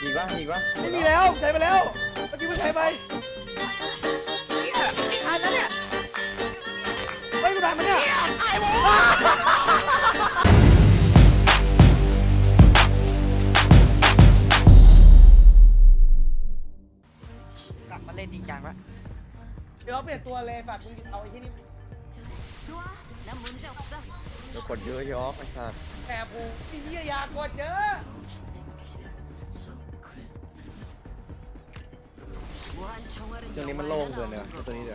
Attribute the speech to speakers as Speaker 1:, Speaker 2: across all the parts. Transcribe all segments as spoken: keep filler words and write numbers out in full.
Speaker 1: อีกวะอีกวะ
Speaker 2: ไม่มีแล้วใช้ไปแล้วเมื่อกี้มึงใช้ไป
Speaker 3: ทันแล้วเนี่ย
Speaker 2: เฮ้ยกูทันมันเนี่ย
Speaker 3: ไอ้โว้กลับมาเล่นจริงจังวะ
Speaker 2: เดี๋ยวเปลี่ยนตัวเลยฝากมึงเอาไอ้ที่นี่
Speaker 1: เดี๋ยวกดเยอะยอกไอ้สัส
Speaker 2: แต่กูที่เหี้ยยากดเยอะ
Speaker 1: ตัวนี้มันโล่งเกินเลยตัวนี้เดี๋ยว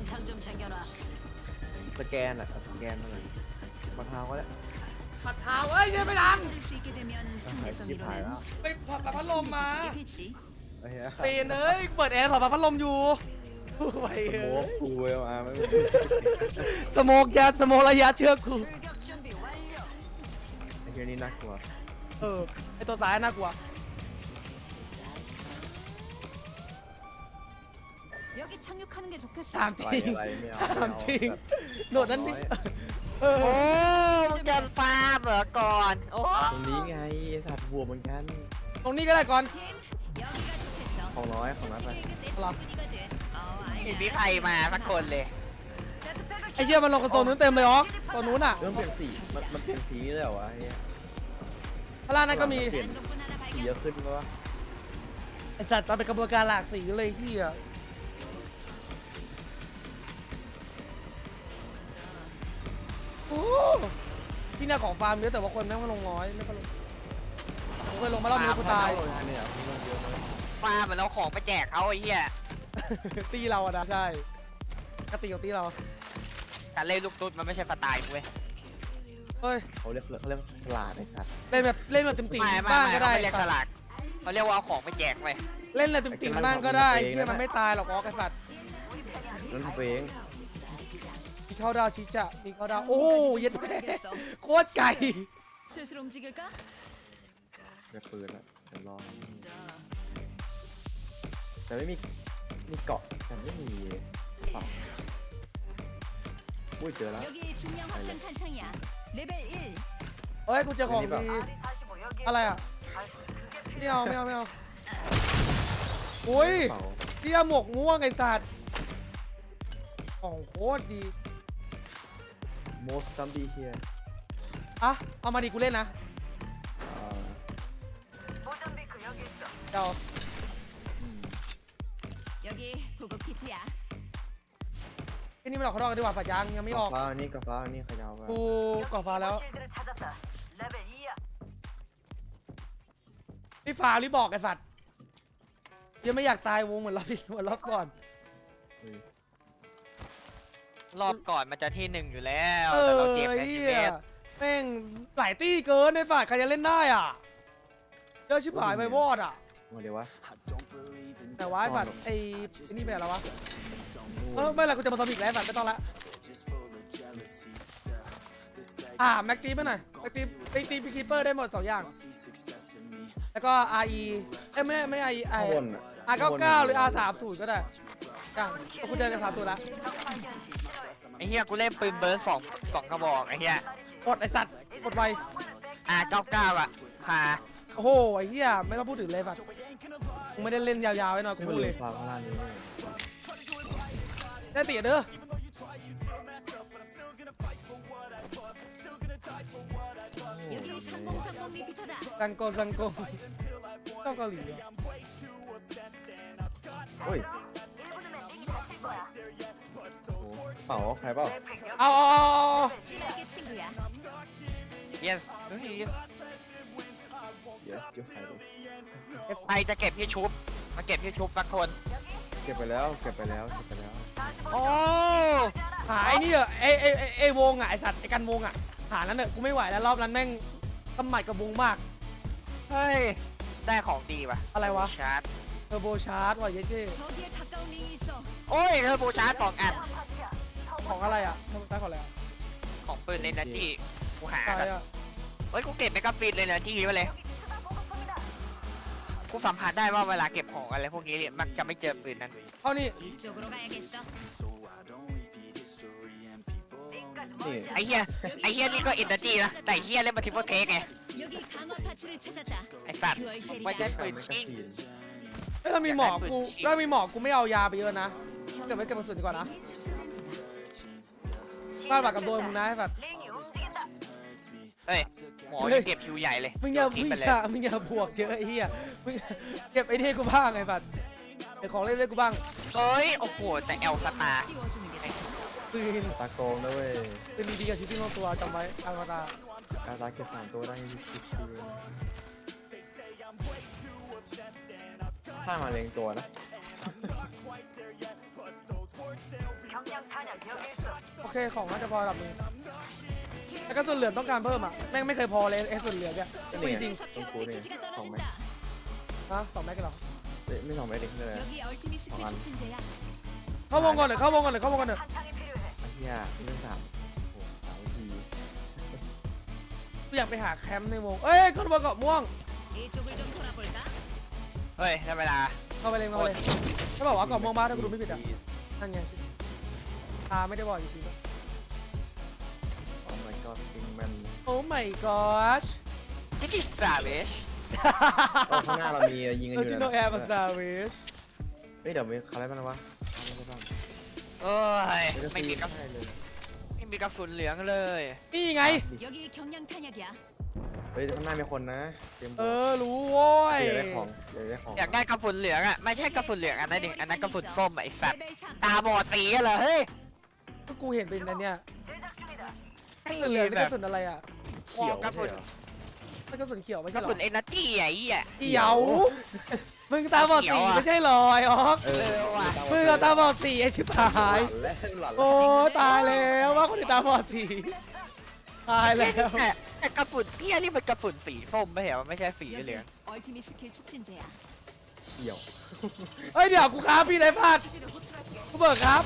Speaker 1: สแกนอะสแกนอะไรมาเท้าก็ได้
Speaker 2: ปัดเท้าเอ้ยเนี่ยไม่ดัง
Speaker 1: ที่ถ่ายแล้ว
Speaker 2: ไปผัดพัดลมมา
Speaker 1: เป
Speaker 2: นเอ้ยเปิดแอร์ถอดพัดลมอยู่ไปเออ
Speaker 1: กูเอลอาร์ไม่
Speaker 2: สโมกยัดสโมกระยะเชือกกู
Speaker 1: ไอ้เหี้ยนี่น่ากลัว
Speaker 2: เออไอตัวซ้ายน่ากลัวถามจริงถามจริงโดดนั้นดิ
Speaker 3: โอ้มึงจะฟาร์มเหรอก่อนโอ้
Speaker 1: ตรงนี้ไงไอ้สัตว์บัวเหมือนกัน
Speaker 2: ตรงนี้ก็ได้ก่อน
Speaker 1: ของน้อยของน้อยไป
Speaker 3: ไม่มีใครมาสักคนเลย
Speaker 2: ไอ้เหี้ยมันลงกระโซนนู้นเต็มเลยอ๋อตัวนู้นอ่ะ
Speaker 1: เริ่มเปลี่ยนสีมันมันเปลี่ยนสีเลยเหรอวะไอ้
Speaker 2: พลานั้นก็มี
Speaker 1: สีเยอะขึ้นปะวะ
Speaker 2: ไอสัตว์มันเป็นกระบวนการหลากสีเลยที่อ่ะโอ้ที่เนี่ยของฟาร์มเยอะแต่ว่าคนแม่งมาลงน้อยไม่มาลงผมเคยลงมาแล้วมีกูตาย
Speaker 3: ฟาร์มเหมือนเราของไปแจกเขาไอ้เหี้ย
Speaker 2: ตีเราอะนะใช่กตีของตีเรา
Speaker 3: การเล่นลูกตุ๊ดมันไม่ใช่สไตล์กูเว้ย
Speaker 2: เฮ้ย
Speaker 1: เขาเรียกเขาเรียกฉลาดไอ้สัตว์
Speaker 2: เล่นแบบเล่นแบบติ่มติ่มบ้างก็ได้
Speaker 3: เรียกฉลาดเขาเรียกว่าเอาของไปแจกไป
Speaker 2: เล่นอะไรติ่มติ่มบ้างก็ได้เพื่อมันไม่ตายหรอกอ๋อไอ้สัตว์
Speaker 1: นั่นตัวเอง
Speaker 2: มีเข้าดาวชิจะมีเข้าดาวโอ้ยยัดแม่โคตรไก่
Speaker 1: เดี๋ยวปืนละเดี๋ยวรอแต่ไม่มีมีเกาะแต่ไม่มีฝั่งอุ้ยเจอแล้ว
Speaker 2: เฮ้ยกูเจอของดีอะไรอ่ะไม่เอาไม่เอาไม่เอาอุ้ยเตี้ยหมวกม่วงไอ้สัตว์ของโคตรดี
Speaker 1: most zombie here
Speaker 2: อ่ะเอามาดิกูเล่นนะเจ้าไอ้นี่ไม่หลอกเขาหรอกดีกว่าฝายังยังไม่ออก
Speaker 1: ฟ้าอันนี้กับฟ้าอันนี้ขยาว
Speaker 2: กูก่อฟ้าแล้วนี่ฟ้ารีบบอกไอ้สัตว์ยังไม่อยากตายวงเหมือนรอบที่เหมือนรอบก่อน
Speaker 3: รอบก่อนมันจะที่หนึ่งอยู่แล้วแต่เราเจ็บแค่ทีเมตร
Speaker 2: แม่งหลายตี้เกินในฝ่ายใครจะเล่นได้อ่ะเยอะชิบหายไปวอดอ่ะ
Speaker 1: เดี๋ยววะ
Speaker 2: แต่ว่าไอ้ฝ่ายไอ้นี่เป็นอะไรวะเออไม่ละกูจะมาทำอีกแล้วฝ่ายไม่ต้องละอ่าแม็กตีไปหน่อยแม็กตีตีตีพีคีเปอร์ได้หมดสองอย่างแล้วก็ อาร์ อี เอ้ยไม่ไม่ อาร์ อี ไอ อาร์ เก้าเก้า หรือ อาร์ สามสิบ ก็ได้อย่างกูเจอกันสามตัวแล้ว
Speaker 3: ไอ้เหี้ยกูเล่นปืนเบิร์ดสองสองกระบอกไอ้เหี้ย
Speaker 2: กดไอ้สัตว์กดไว
Speaker 3: อาร์ เก้าเก้า อ่ะค่ะ
Speaker 2: โอ้โหไอ้เหี้ยไม่ต้องพูดถึงเลยฝัดกูไม่ได้เล่นยาวๆไว้หน่อยกูพูดเลยได้ตีเด้อซังโกซังโกเจ้าเกาหลี
Speaker 1: โอ้ยเปล่าใครเปล่า
Speaker 2: เอาเอาเอา
Speaker 3: yes
Speaker 1: yes
Speaker 3: ใครจะเก็บพี่ชุบมาเก็บพี่ชุบสักคน
Speaker 1: เก็บไปแล้วเก็บไปแล้วเก็บไปแล้ว
Speaker 2: โอ้หายนี่เหรอไอไอไอวงอ่ะไอสัตว์ไอกันวงอ่ะหานั้นเนอะกูไม่ไหวแล้วรอบนั้นแม่งกำหมัดกับวงมาก
Speaker 3: เฮ้ยได้ของดีว่ะ
Speaker 2: อะไรวะ
Speaker 3: ชาร์จ
Speaker 2: เทอร์โบชาร์จว่ะเย้เจ้
Speaker 3: โอ้ยเทอร์โบชาร์จสองอัน
Speaker 2: ของอะไรอ่ะเทอร์โบชาร์จของอะไร
Speaker 3: ของปืนในนาทีกูหาเฮ้ยกูเก็บไปกับฟินเลยนะที่นี้มาเลยกูสัมผัสได้ว่าเวลาเก็บของอะไรพวกนี้เนี่ยมักจะไม่เจอปืนนั้น
Speaker 2: เอานี่
Speaker 1: นี่
Speaker 3: ไอ้เหี้ยไอ้เหี้ยนี่ก็เอ็นเตอร์จีนะแต่ไอ้เหี้ยเล่นมาทิปเปิลเทคไง
Speaker 4: 여기 강화 파츠를 찾았다.
Speaker 3: ไอ้สัตว์
Speaker 4: 듀얼 쉘이
Speaker 3: ไม่ใช่
Speaker 1: ใคร
Speaker 3: ปืน
Speaker 1: ไม่กระ
Speaker 3: ชิง
Speaker 1: สีน
Speaker 2: เอ้ยถ้ามีหมอกกูถ้ามีหมอกกูไม่เอายาไปเยอะนะเก็บไว้เก็บกระสุนดีกว่านะบ้านปากกับโดนมึงนะไอ้สัตว์
Speaker 3: เฮ้ยหมอยังเก็บคิวใหญ่เลย
Speaker 2: มึงอย่า
Speaker 3: ทิ้
Speaker 2: มึ
Speaker 3: ง
Speaker 2: ง
Speaker 3: ไป
Speaker 2: อ
Speaker 3: เลย
Speaker 2: ย่ามึงอย่าบวกเยอะไอ้เหี้ยมึงเก็บไอ้นี่ให้กูบ้างไอ้สัตว์ไอ้ของเล่นเล่นกูบ้าง
Speaker 3: เฮ้ยโอ้โหแต่เอลสตาร์
Speaker 4: 띄워주는 게 낫다.
Speaker 2: ปืน
Speaker 1: ตาโกงนะเว้ย
Speaker 2: ปืนดีๆกับชีวิตของตัวจำไว้อามาตา
Speaker 1: การตาเก็บสามตัวได้ชิวๆถ้ามาเล็งตัวนะ
Speaker 2: โอเคของน่าจะพอระดับหนึงแล้วก็ส่วนเหลือต้องการเพิ่มอ่ะแม่งไม่เคยพอเลยไอ้ส่วนเหลือเนี่ย
Speaker 1: ก็
Speaker 2: จ
Speaker 1: นี่
Speaker 2: ริง
Speaker 1: ต้องกูนี่
Speaker 4: 데미지가
Speaker 1: สองไหม
Speaker 4: 떨어진다.
Speaker 2: ๆนะสองแม็กกันหรอ
Speaker 1: เอ้ยไม่สองไหมเด็กเลย
Speaker 4: 여기 얼티밋 스킬
Speaker 1: 어, 안-
Speaker 4: 촉진제야.
Speaker 2: เข้าวงก่อนหน่อยเข้าวงก่อนหน่อยเข้าวงก่อนหน่อย
Speaker 1: ไอ้เหี้ยเรื่องสามโอ้โหสามวิธี
Speaker 2: กูอยากไปหาแคมป์ในวงเอ้ยขึ้นมาเกาะม่วง
Speaker 4: 이쪽을 좀 돌아볼까?
Speaker 3: เฮ้ยได้เวลา
Speaker 2: เข้าไปเลยเข้าไปเลยถ้าบอกว่าเกาะม่วงบ้านถ้ากูดูไม่ผิดอ่ะนั่นไงตาไม่ได้บอกจริงๆ
Speaker 1: โอ้ my god จริงมัน
Speaker 2: โอ้ my gosh
Speaker 3: ที่ที่สาเวช
Speaker 1: โอ้ข้างหน้าเรามียิงกัน
Speaker 2: เอ
Speaker 1: อ
Speaker 2: อยู่ จิ
Speaker 1: นะ
Speaker 2: โนแอร์มาซาเวช
Speaker 1: เฮ้ยเดี๋ยวมีอะไรบ้างวะอะไรบ้าง
Speaker 3: เอ้ย
Speaker 1: เดี๋ยวจะ
Speaker 3: ไม่มีกระ
Speaker 1: ให้เลย
Speaker 3: ไม่มีกระสุนเหลืองเลย
Speaker 2: นี่ไง
Speaker 4: 여기 경량 탄약이야.
Speaker 1: เฮ้ยข้างหน้ามีคนนะเตรียม
Speaker 2: เออ รู้โว้ย
Speaker 1: เดี๋ยวได้ของเดี๋ยวได้ของ
Speaker 3: อยากได้กระสุนเหลืองอ่ะไม่ใช่กระสุนเหลืองอันนั้นดิอันนั้นกระสุนส้มอะไอ้สัตว์
Speaker 4: 레벨 삼.
Speaker 3: ตาบอดสีกันเหรอเฮ้ย
Speaker 2: ก็กูเห็นเป็นอันเนี้ยเหลือๆนี่กระสุนอะไรอ่ะ
Speaker 1: เขียว
Speaker 3: กระสุน
Speaker 1: ใช่เหรอ
Speaker 2: ไม่กระสุนเขียวไม่
Speaker 3: ก
Speaker 2: ใช่
Speaker 3: ระ
Speaker 2: หรอ
Speaker 3: สุนเอเนอร์จีไอ้เหี้ย
Speaker 2: เขียว มึงตาบอดสีไม่ใช่หรอไอ้ออก
Speaker 1: เออ
Speaker 3: ว่ะ
Speaker 2: มึงอะตาบอดสีไอ้ชิบหาย
Speaker 1: หล่อนแล้วหล่อน
Speaker 2: โอ้
Speaker 1: แล้ว
Speaker 2: ตายแล้วว่าคนที่ตาบอดสีตายแล้ว
Speaker 3: แต่แต่กระสุนเหี้ยนี่มันกระสุนสีส้มไม่เหรอไม่ใช่สีเหลือง
Speaker 4: 얼티밋 스킬 촉진제야.
Speaker 1: เขียว
Speaker 2: เฮ้ยเดี๋ยวกูครับพี่ไรพลาด
Speaker 4: 수지를 호출할게.
Speaker 2: กูเบิกครับ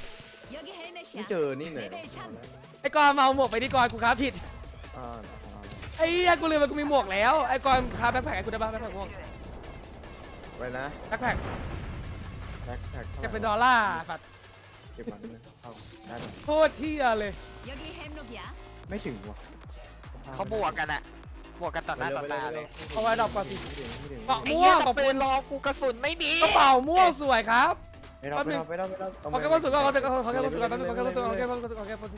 Speaker 4: 여기
Speaker 1: ไม่
Speaker 4: 헬멧이야.
Speaker 1: เจอนี่เลย
Speaker 4: 레벨 삼.
Speaker 2: ไอ้กอนมาเอาหมวกไปดีก่อนกูครับผิด
Speaker 1: อ่า
Speaker 2: ไอ้เหี้ยกูลืมไปกูมีหมวกแล้วไอ้กอนครับแบ็คแพ็คให้กูได้ป่ะแบ็คแพ็คม่วง
Speaker 1: ไปนะ
Speaker 2: แบ็คแพ็ค
Speaker 1: แบ็คแพ็ค
Speaker 2: จะเป็นดอลลาร์สัตว์
Speaker 1: เก็บมันนะเข้าได้เลย
Speaker 2: โคตรเที่ยเลย
Speaker 4: 여기 햄록이야.
Speaker 1: ไม่ถึงว่ะ
Speaker 3: เขาบวกกันอะบวกกันต่อหน้าต่อตาเลย
Speaker 2: เอาไว้ดอกก่อนสิ
Speaker 1: ไม่ถึงไม่ถึง
Speaker 2: เกาะ
Speaker 3: ไอ้
Speaker 2: ม่ว
Speaker 3: เหี้ย
Speaker 2: ง
Speaker 3: แต่
Speaker 2: ขอบ
Speaker 3: ปื
Speaker 2: คุ
Speaker 3: น
Speaker 2: ณ
Speaker 3: รอกูกระสุนไม่มี
Speaker 2: กระเป๋าม่วงสวยครับ
Speaker 1: ไม่ต้องไม่ต้องไม่ต้องไม่ต้อง
Speaker 2: ขอแค่คนสวยก่อนขอแค่คนขอแค่คนสวยก่อนขอแค่คนสวยก่อนขอแค่คนสวยก่อนขอแค่คนสวย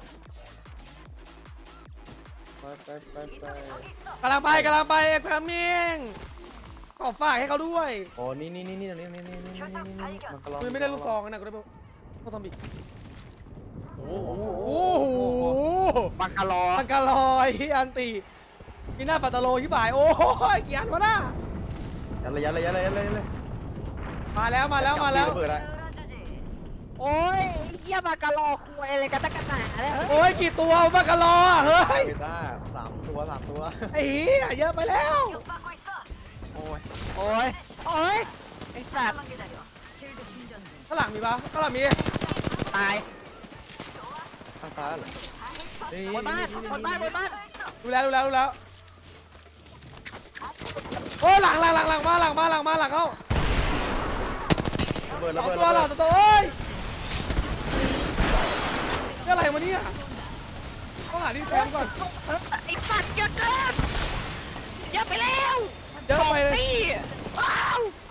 Speaker 1: ไปไปไปไป
Speaker 2: กำลังไปกำลังไปเอ็กซ์แพมมิงขอฝากให้เขาด้วย
Speaker 1: โอ้นี่นี่นี่นี่นี่นี่นี่นี่นี่นี่มันก็ลอง
Speaker 2: กูไม่ได้ลูกซองนะกูได้พวกซอมบี้
Speaker 3: โอ้โห
Speaker 2: โอ้โห
Speaker 3: บังกะลอ
Speaker 2: มันกะลอยอันตีมีหน้าปัตตาโลที่บ่ายโอ้ยกี่อันวะน่ะ
Speaker 1: ยัดเลยยัดเลยยัดเลยยัดเลยยัดเลย
Speaker 2: มาแล้วมาแล้วมาแล้ว
Speaker 1: เปิดละ
Speaker 3: โอ้ยไอ้เหี้ยบังกะลอคุยอะไรกันตั้งกันหนาเลยเฮ้ย
Speaker 2: โอ้ยกี่ตัวมันกะลออ่ะเฮ้ย
Speaker 1: เบต้าสามตัวสามตัว
Speaker 2: ไอ้เหี้ยเยอะไปแล้ว
Speaker 3: โอ้ยโอ้ยโอ้ยไอ้สัตว์
Speaker 4: 쉴드 충전 중.
Speaker 2: ข้างหลังมีปะข้างหลังมี
Speaker 3: ตาย
Speaker 1: ข้างซ้ายเหรอบ
Speaker 3: นบ้านบนบ้านบนบ้าน
Speaker 2: ดูแล้วดูแล้วดูแล้วโอ้ยหลังหลังหลังหลังมาหลังมาหลังมาหลังเข้า
Speaker 1: ระเบิด
Speaker 2: ส
Speaker 1: ระ
Speaker 2: อง
Speaker 1: เบิด
Speaker 2: ตัวหลังตัวเอ้ยนี่อะไรวะเนี่ยต้องหาที่แคมป์ก่อน
Speaker 3: ไอ้สัตว์เยอะเกินเยอะไปแล้ว
Speaker 2: เยอะไปเลย
Speaker 3: นี่ว้าว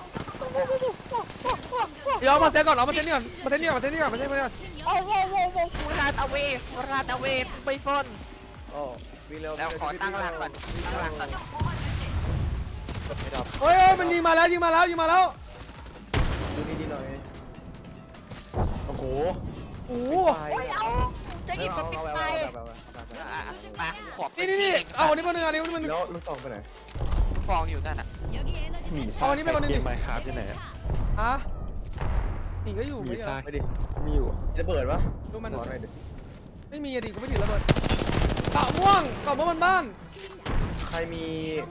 Speaker 2: เดี๋ยวเอามาเซตก่อนเอามาเซตนี่ก่อนมาเซตนี่ก่อนมาเซตนี่ก่อนมาเซตนี่ก่อน
Speaker 3: โอ้โหโว้โว้ฟูราดเอาเวฟูราดเอาเวไปฟน
Speaker 1: โอ้วิ่งเร็ว
Speaker 3: แล้วขอตั้งหลักก่อนตั้งหลักก่อน
Speaker 1: ไม่ดับ
Speaker 2: เฮ้ยเฮ้ยมันยิงมาแล้วยิงมาแล้วยิงมาแล้ว
Speaker 1: ดูดีๆหน่อยโอ้โห
Speaker 2: โอ้โห
Speaker 3: โอ้ยเอาจะหยิบสติ๊กไปมาขอบ
Speaker 2: นี่นี่นี่เอาอันนี้มาหนึ่งอันนี้มาหนึ่ง
Speaker 1: แล้วลูกซองไปไหน
Speaker 3: ฟองอยู่นั่นอ่ะ
Speaker 4: 여기 에너지
Speaker 1: 미.
Speaker 4: 탄약.
Speaker 2: เอาอันนี้ไปคนหนึงดิ
Speaker 1: ไมค์ครับที่ไหน
Speaker 2: ฮะหนีก็อยู่ไม่ใช่เหรอ
Speaker 1: ไปดิมีอยู่ระเบิดปะ
Speaker 2: ดูมัน
Speaker 1: ขอหน่อยดิ
Speaker 2: ไม่มีอะดิกูไม่ถือระเบิดเกาะม่วงเกาะม่วงบนบ้าน
Speaker 1: ใครมี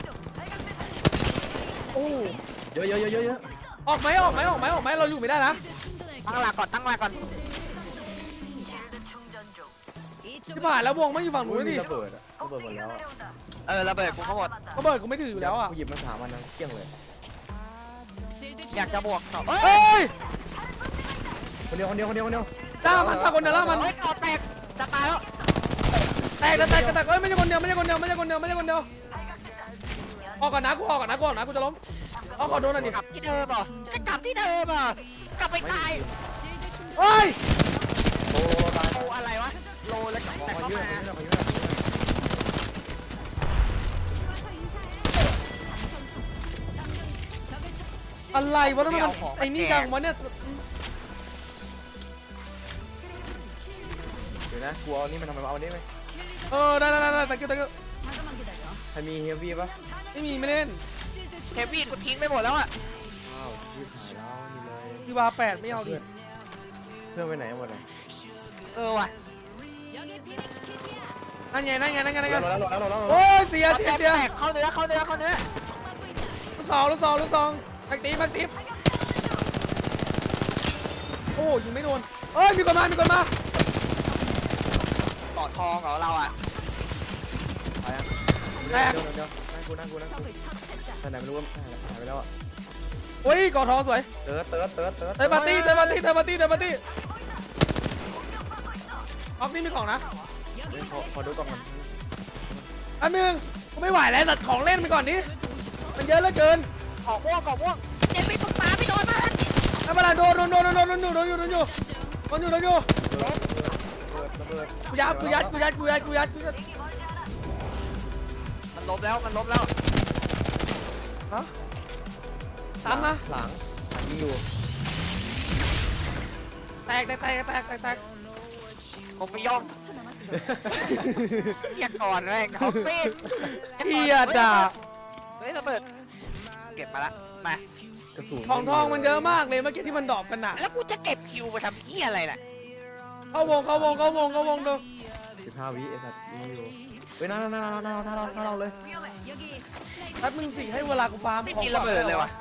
Speaker 2: โอ้
Speaker 1: เยอะเยอะเยอะเยอะเยอะ
Speaker 2: ออกไหมออกไหมออกไหมออกไหมเราอยู่ไม่ได้นะ
Speaker 4: 충전할
Speaker 3: ตั้งหลักก่อนตั้งหลักก่อน
Speaker 2: ที่ผ่านแล้ววงไม่อยู่ฝั่งนู้น
Speaker 1: มี
Speaker 2: นี่
Speaker 1: ระเบิดอะระเบิดหมดแล้วอะ
Speaker 3: เออระเบิดกูก็หมด
Speaker 2: ระเบิดกูไม่ถืออยู่แล้วอ่ะ
Speaker 1: กูหยิบมาสามอันนะเกลี้ยงเลย
Speaker 4: 실드
Speaker 3: อยากจะ
Speaker 4: 충전.
Speaker 3: บวกต่อเอ้
Speaker 2: เฮ้
Speaker 3: ย
Speaker 2: ย
Speaker 1: คนเดียวคนเดียวคนเดียวคนเดียว
Speaker 2: ล่ามันพาคนเดียวล่ามัน
Speaker 3: เฮ้ยก่อแตกจะตายแล้ว
Speaker 2: แตกแตกแตกเอ้ยไม่ใช่คนเดียวไม่ใช่คนเดียวไม่ใช่คนเดียวไม่ใช่คนเดียวออกก่อนนะกูออกก่อนนะกูออกนะกูจะล้มเอาขอโดนหน่อยดิ
Speaker 3: กลับที่เดิมอ่ะจะกลับที่เดิมอ่ะกลับไปตาย
Speaker 2: เฮ้ย
Speaker 1: โอ้ตาย
Speaker 3: โลอะไรวะโลแล้วแต่
Speaker 1: พอ
Speaker 3: เข้า
Speaker 1: ยืด
Speaker 3: มา
Speaker 1: พอยืดพอยืด
Speaker 2: อะไรวะทำไมมันไอ้นี่จังวะเนี่ย
Speaker 1: เดี๋ยวนะกูเอานี่มันทำไมเอานี่ไหม
Speaker 2: เออได้ได้ได้ตะกี้ตะกี้
Speaker 4: 잠깐만 기다려.
Speaker 1: ใครมีเฮฟวี่ปะ
Speaker 2: ไม่มีไม่เล่น
Speaker 3: เฮฟวี่กูทิ้งไปหมดแล้วอ่ะ
Speaker 1: อ้าวยืดหายแล้วนี่เลย
Speaker 2: ดีวาแปดไม่เอาดิ
Speaker 1: เพื่อนไปไหนหมดเลย
Speaker 3: เออว่ะ
Speaker 4: 여기 피닉스 키트야.
Speaker 2: นั่นไงนั่นไงนั่นไงนั่นไง
Speaker 1: เราแล้วเราแล้วเราแล้ว
Speaker 2: โอ้ยเสีย
Speaker 3: เอา
Speaker 2: เสีย
Speaker 3: แตก
Speaker 2: เสีย
Speaker 3: แตกเข้าเนื้อเข้าเนื้อเข้าเนื้อ
Speaker 4: 막고 있다.
Speaker 2: ลูกสองลูกสองลูกสองแม็กตีแม็กตีโอ้ยิงไม่โดนเอ้ยมีคนมามีคนมา
Speaker 3: ต่อทองเหรอเราอ่ะ
Speaker 1: ไปอ่ะเดี๋ยวเดี๋ยวเดี๋ยวนั่งกูนั่งกูนั่งกู
Speaker 4: 적을 처치했다.
Speaker 1: แต่ไหนไม่รู้ว่าหายไปแล้วอ่ะ
Speaker 2: โอ้ยกอดทองสวย
Speaker 1: เติร์ดเติร์ดเติร์ดเติร์ด
Speaker 2: เตะปาร์ตี้เตะปาร์ตี้เตะปาร์ตี้เตะปาร์ตี้ออฟนี่มีของนะ
Speaker 1: ขอขอดูกล่องก่อน
Speaker 2: อันหนึ่งกูไม่ไหวแล้วตัดของเล่นไปก่อนดิมันเยอะเหลือเกิน
Speaker 3: ขอม่วงขอม่วงเจ็บไปปรึกษาพี่โดนมา
Speaker 2: ไม่เป็นไรโดนโดนโดนโดนโดนอยู่โดนอยู่โดนอยู่โดนอยู่โดนอยู่
Speaker 1: เติร์ดเติร์ดเติร์ด
Speaker 2: กูยัดกูยัดกูยัดกูยัดกูยัดกูยัด
Speaker 3: มันล้มแล้วมันล้มแล้ว
Speaker 2: ฮะตามนะ
Speaker 1: หลังยิงอยู่
Speaker 2: แตกแตกแตกแตกแตกแตก
Speaker 3: ผมไปย่องเรียกก่อนแม่งเขาเป็น
Speaker 2: เฮียด่า
Speaker 3: เฮ้ยระเบิดเก็บมาละมา
Speaker 1: กระสุน
Speaker 2: ของทองมันเยอะมากเลยเมื่อกี้ที่มันดรอปกันน่ะ
Speaker 3: แล้วกูจะเก็บคิวไปทำเหี้ยอะไรน่ะ
Speaker 2: เข้าวงเข้าวงเข้าวงเข้าวงดู
Speaker 1: สิบห้าวิไอ้สัตว์ยิงอยู่เฮ้ยน่าน่าน่าน่าน่าน่าเราเลย
Speaker 4: 여기
Speaker 2: แป๊บมึงสิให้เวลากูฟาร์ม
Speaker 3: ไม่
Speaker 2: ของ
Speaker 3: มีระเบิดเลยวะ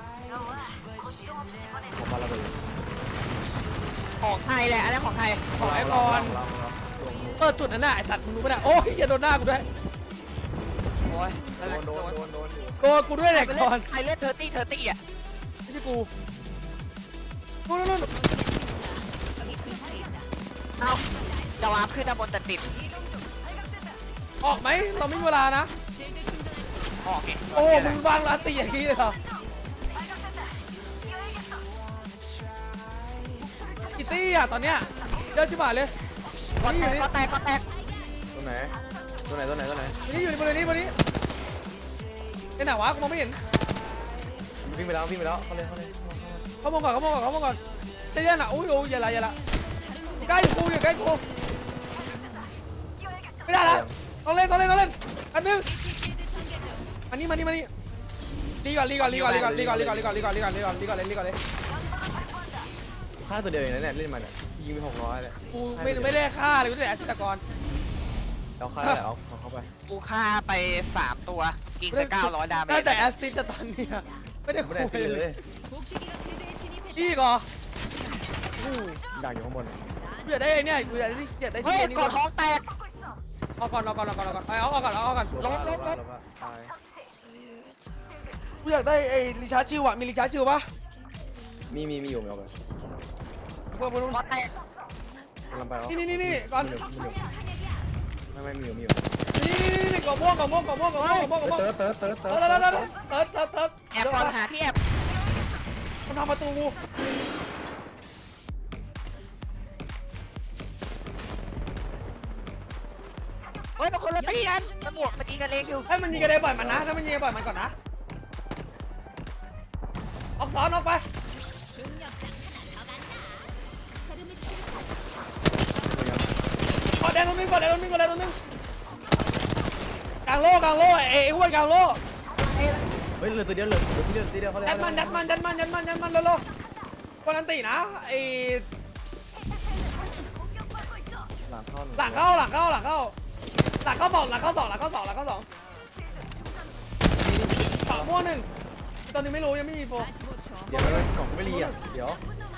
Speaker 1: ของปาระเบิด
Speaker 3: ของไทยแหละอันนี้ของไทย
Speaker 2: ของไอ้บอลเปิดจุดนั้นน่ะไอ้สัตว์มึงรู้ปะเนี่ยโอ้ยอย่าโดนหน้ากูด้วย
Speaker 3: โอ้ย
Speaker 1: โดนโดนโดนโดนอยู่
Speaker 2: โกนกูด้วยแหละก่อน
Speaker 3: ใครเล่นเทอร์ตี้เทอร์ตี้อ่ะ
Speaker 2: ไม่ใช่กูนู่นนู่นนู่น
Speaker 3: เอ้าจะวาร์ปขึ้นด้านบนแต่ติด
Speaker 2: ออกไหมเราไม่มีเวลานะ
Speaker 3: ออกไง
Speaker 2: โอ้มึงวางลาตีอย่างนี้เลยเหรอกิตตี้อ่ะตอนเนี้ยเยอะชิบหายเลย
Speaker 3: ก็
Speaker 2: นี่
Speaker 3: แต
Speaker 2: อยู่
Speaker 3: ก
Speaker 2: นี่
Speaker 3: ก็แตกก็แตก
Speaker 1: ตัวไหนตัวไหนตัวไหนตัวไหน
Speaker 2: นี่อยู่ในบริเวณนี้บริเวณนี้ไอ้ไหนวะกูมองไม่เห็น
Speaker 1: วิ่งไปแล้ววิ่งไปแล้วเขาเลยเขาเลย
Speaker 2: เขามองก่อนเขามองก่อนเขามองก่อนใจเย็นอ่ะอุ้ยโอ้ยอย่าละอย่าละอยู่ใกล้กูอยู่ใกล้กูไม่ได้แล้วต้องเล่นต้องเล่นต้องเล่นอันนึงอันนี้มานี่มานี่รีก่อนรีก่อนรีก่อนรีก่อนรีก่อนรีก่อนรีก่อนรีก่อนรีก่อนรีก่อนรีก่อนรีก่อนเลยรีก่อนเลย
Speaker 1: ฆ่าตัวเดียวเองนะเนี่ยเล่นมันอ่ะยิงไปหกร้อยเลย
Speaker 2: กูไม่ไม่ได้ฆ่าเลยกูแต่แอสซิสตกร
Speaker 1: เราฆ่าแล้วเอาเอาเข้าไป
Speaker 3: กูฆ่าไปสามตัวกินไปเก้าร้อยดาเม
Speaker 2: ได้
Speaker 3: จ
Speaker 2: แต่แอสซิสต์แต่ตอนเนี้ยไม่ได้คุ
Speaker 1: ไม่ได้ตี
Speaker 2: ย
Speaker 1: เลย
Speaker 4: 복지기가 그대에 진입했다.
Speaker 2: อีกเหรอ
Speaker 1: ดักอยู่ข้างบน
Speaker 2: กูอยากได้ไอ้เนี่ยกูอยากได้อยากได้
Speaker 3: เฮ้
Speaker 2: ที่
Speaker 3: ย
Speaker 2: ไอ้นี่
Speaker 3: กอดท้องแตก
Speaker 2: เอาก่อนเอาก่อนเอาก่อนเอาก่อนเอาเอาก่อนเอาก่อน
Speaker 1: ลบลบลบตาย
Speaker 2: กูอยากได้ไอ้รีชาร์จชิวอะมีรีชาร์จชิวปะ
Speaker 1: มีมีมีอยู่มีเอาไป
Speaker 2: เพื่อนเพื่อน
Speaker 3: กอดแตก
Speaker 1: กำลังไปแล้ว
Speaker 2: นี่นี่นี่นี่ก่อน
Speaker 1: ไม่ไม่มีอยู่มีอยู่
Speaker 2: นี่นี่นี่นี่กล่องม่วงกล่องม่วงกล่องม่วงกล่องม่วงกล่องม่วงกล่องม่วง
Speaker 1: เติร์ดเติร์ดเติร์ดเติ
Speaker 2: เอ
Speaker 1: ร์
Speaker 2: อ
Speaker 1: ด
Speaker 2: แล้วแล้วแล้วเติร์ดเติร์ดเติร์ด
Speaker 3: แอบก่อนหาที่แอบ
Speaker 2: มันทำประตูกู
Speaker 3: เฮ้ยมันคนละตีกันมันบวกมันตีกันเองอยู่
Speaker 2: ให้มันยิงกระเด็นปล่อยมันนะถ้ามันยิงปล่อยมันก่อนนะออกสอนออกไป
Speaker 4: 중력 장난 안 하간다. 흐름을
Speaker 2: กดแดงตรงนึงกดแดงตรงนึงกดแดงตรงนึงกลางโล่กลางโล่เอ้อ้วนกลางโล่
Speaker 1: เฮ้ยเหลือตัวเดียวเหลือตัวเดียวตัวเดียวเขาเลย
Speaker 2: ยัดมันยัดมันยัดมันยัดมันยัดมันเร็วๆคนอันตีนะไอ้
Speaker 1: หลังเข้า
Speaker 2: หลังเข้าหลังเข้าหลังเข้าหลังเข้าสองหลังเข้าสองหลังเข้าสองหลังเข้าสองสองม่วงหนึ่งตอนนี้ไม่รู้ยังไม่มีโฟ
Speaker 4: 사십오 초.
Speaker 1: เดี๋ยวกล่องไม่รีอ่ะเดี๋ยว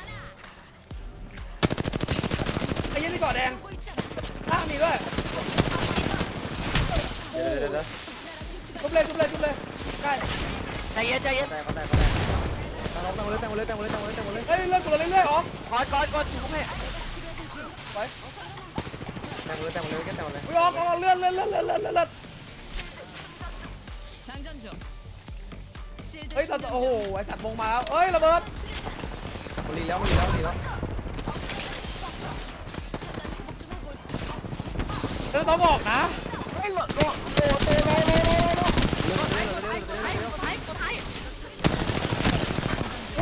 Speaker 2: ไอ้ยี่นี่เกาะแดงข้างมีด้วย
Speaker 1: เดี๋ยวเดี๋ยวเดี๋ยว
Speaker 2: จุบเลยจุบเลยจุบเลยใกล้
Speaker 3: ใจเย็นใจเย็น
Speaker 1: แตกเขาแตกเขาแตกตั้งลงตั้งเลยตั้งเลยตั้งเลยตั้งเลยตั้งเลย
Speaker 2: เฮ้ยเลื่อนกูเรื่อยๆอ๋อก
Speaker 3: อดกอดกอดถูกไหม
Speaker 2: ไป
Speaker 1: แต่งเลยแต่งเลยแกแต่งเลย
Speaker 2: อุ้ยออกออกเลื่อนเลื่อนเลื่อนเลื่อนเลื่อนเลื่อน
Speaker 4: 장전 중. 실드
Speaker 2: เฮ้ยสัตว์
Speaker 4: 충전
Speaker 2: โอ้โห
Speaker 4: 중.
Speaker 2: ไอสัตว์วงมาแล้วเอ้ยระเบิด
Speaker 1: มันรีแล้วมันรีแล้วมันรีแล้ว
Speaker 2: เดินต้องออกนะ
Speaker 3: ไอ้หลดหลดโอ้โหโลโลโลโลโลไทยไทยไทยไทยไทย
Speaker 2: โอ้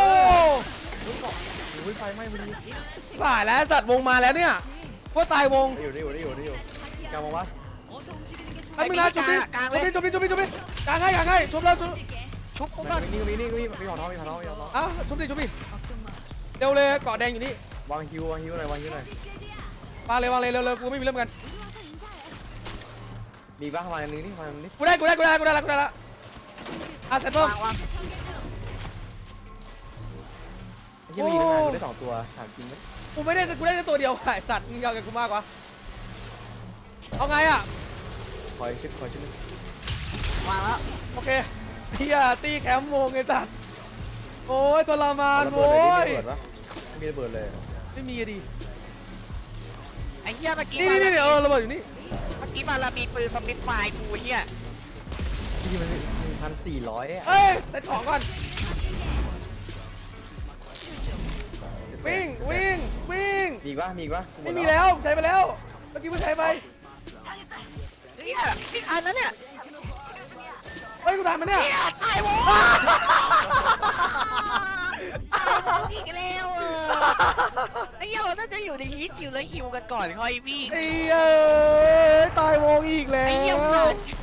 Speaker 1: อุ้ยไฟไหม้พอดี
Speaker 2: ฝ่ายแล้วสัตว์วงมาแล้วเนี่ยว่าตายวง
Speaker 1: ได้อยู่ได้อยู่ได้อยู่ได้อยู่กางมองวะ
Speaker 4: 어서 움직이는 게
Speaker 2: ไอ้มึงนะจุบดิจุบดิจุบดิจุบดิจุบดิกางให้กางให้ชุบแล้วชุบ
Speaker 3: ชุบกู
Speaker 1: มั
Speaker 3: ก่อน
Speaker 1: นมีนี่มีนี่มีมีของท้องมีของท้องมีของท้อง
Speaker 2: อ่ะชุบดิชุบดิเร็วเลยเกาะแดงอยู่นี่
Speaker 1: วางฮิววางฮิวหน่อยวางฮิวหน่อยว
Speaker 2: างเลยวางเลยเร็วเร็วกูไม่มีเรื่องกัน
Speaker 1: มีบ้างวางอันนึงนี่วางอันนี้
Speaker 2: กูได้กูได้กูได้กูได้ละกูได้ละอ่ะเสร็จปุ๊บ
Speaker 3: วางวาง
Speaker 1: ที่มายิงงานกูได้สองตัวถามจริงไหม
Speaker 2: กูไม่ได้กูได้แค่ตัวเดียวไอ้สัตว์มึงยาวกับกูมากวะเอาไงอ่ะ
Speaker 1: คอยขึ้นคอยขึ้น
Speaker 3: วางแล้ว
Speaker 2: โอเคเฮียตีแคมป์วงไอ้สัตว์โอ้ยทรมาน
Speaker 1: ระเบิ
Speaker 2: โว้
Speaker 1: ดเลย
Speaker 2: ย
Speaker 1: ระเบิดปะมีระเบิดเลย
Speaker 2: ไม่มีอะดิ
Speaker 3: ไอ้เหี้ยเมื่อกี้
Speaker 2: นี่
Speaker 3: มา
Speaker 2: นี่นี่เออระเบิดอยู่นี่
Speaker 3: เมื่อกี้มาละมีปืนสปิดไฟกูเหี้ย
Speaker 1: ที่มันหนึ่งพันสี่ร้อย
Speaker 2: เอ้ยเซ็ตของก่อนวิ่งวิ่งวิ่ง
Speaker 1: มีอีกปะมีอีกปะ
Speaker 2: ไม่มีแล้วใช้ไปแล้วเมื่อกี้เพิ่งใช้ไป
Speaker 3: เหี้ยนี่อันนั้นเนี่ย
Speaker 2: เฮ้ยกูทำมันเนี่ย
Speaker 3: เหี้ยตายวงตายวงอีกแล้วเออไอ้เหี้ยเราน่าจะอยู่ในฮีทคิวแล้วฮิวกันก่อนค่อยวิ่ง
Speaker 2: ไอ้เอ้ยตายวงอีกแล้
Speaker 3: ไอ้เหี้ยว มัน